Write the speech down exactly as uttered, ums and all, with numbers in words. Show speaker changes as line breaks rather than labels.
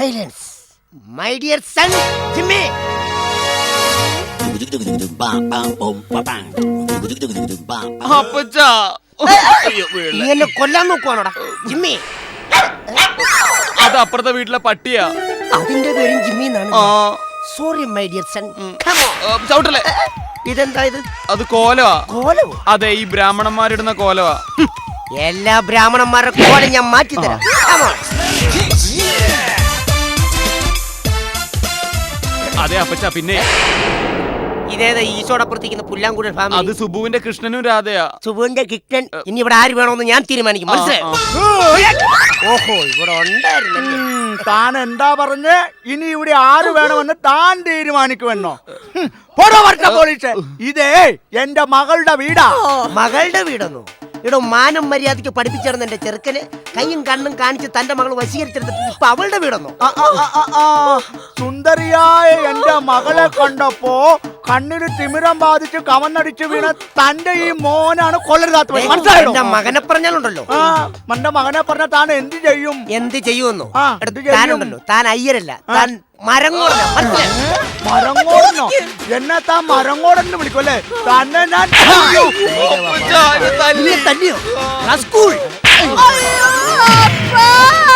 Silence my dear son Jimmy.
അപ്പച്ചാ
നീ എന്നെ കൊല്ലാൻ നോക്കുവാണോടാ ജിമ്മി?
അത് അപ്പുറത്തെ വീട്ടിലെ പട്ടിയാ.
അതിന്റെ പേരും ജിമ്മി എന്നാണ്. Sorry my dear son.
ചവിട്ടല്ലേ.
ഇതെന്താ ഇത്?
അത് കോലവാ.
കോലവോ?
അതെ, ഈ ബ്രാഹ്മണന്മാരിടുന്ന കോലവാ.
എല്ലാ ബ്രാഹ്മണന്മാരുടെ കോലം ഞാൻ മാറ്റി തരാം.
അതെ അപ്പച്ചാ. പിന്നെ
ഇതേതാ ഈശോടപ്പുറത്തിരിക്കുന്ന പുല്ലാങ്കുഴൽ ഫാമിലി?
അത് സുബുവിന്റെ കൃഷ്ണനും രാധയാ.
സുബുവിന്റെ കിക്ടൻ. ഇനി ഇവിടെ ആര് വേണമെന്ന് ഞാൻ തീരുമാനിക്കും. മനസ്സിലായോ? ഓഹോ, ഇവിടെ ഉണ്ടായിരുന്നല്ലേ.
താൻ എന്താ പറഞ്ഞ്? ഇനി ഇവിടെ ആര് വേണമെന്ന് താൻ തീരുമാനിക്കുമെന്നോ? പോലീസ്, ഇതേ എന്റെ മകളുടെ വീടാ.
മകളുടെ വീടൊന്നു? ഇവിടെ മാനം മര്യാദയ്ക്ക് പഠിപ്പിച്ചിരുന്ന എന്റെ ചെറുക്കന് കൈയും കണ്ണും കാണിച്ച് തന്റെ മകൾ വശീകരിച്ചെടുത്തിട്ട് ഇപ്പൊ അവളുടെ വീടൊന്നു?
സുന്ദരിയായ എന്റെ മകളെ കണ്ടപ്പോ കണ്ണിന് തിമിരം ബാധിച്ച് കവന്നടിച്ച് വീണ തന്റെ ഈ മോനാണ് കൊള്ളരുതാത്ത.
എന്റെ മകനെ പറഞ്ഞാലുണ്ടല്ലോ.
ആ എന്റെ മകനെ പറഞ്ഞ താൻ എന്ത് ചെയ്യും?
എന്ത് ചെയ്യുമെന്നോ? താനുണ്ടല്ലോ, താൻ അയ്യരല്ല, താൻ മരങ്ങോടനോ.
മരങ്ങോടനോ? എന്നെ താൻ മരങ്ങോടെന്ന് വിളിക്കുമല്ലേ? തന്നെ ഞാൻ
തല്ലിയോ? സ്കൂൾ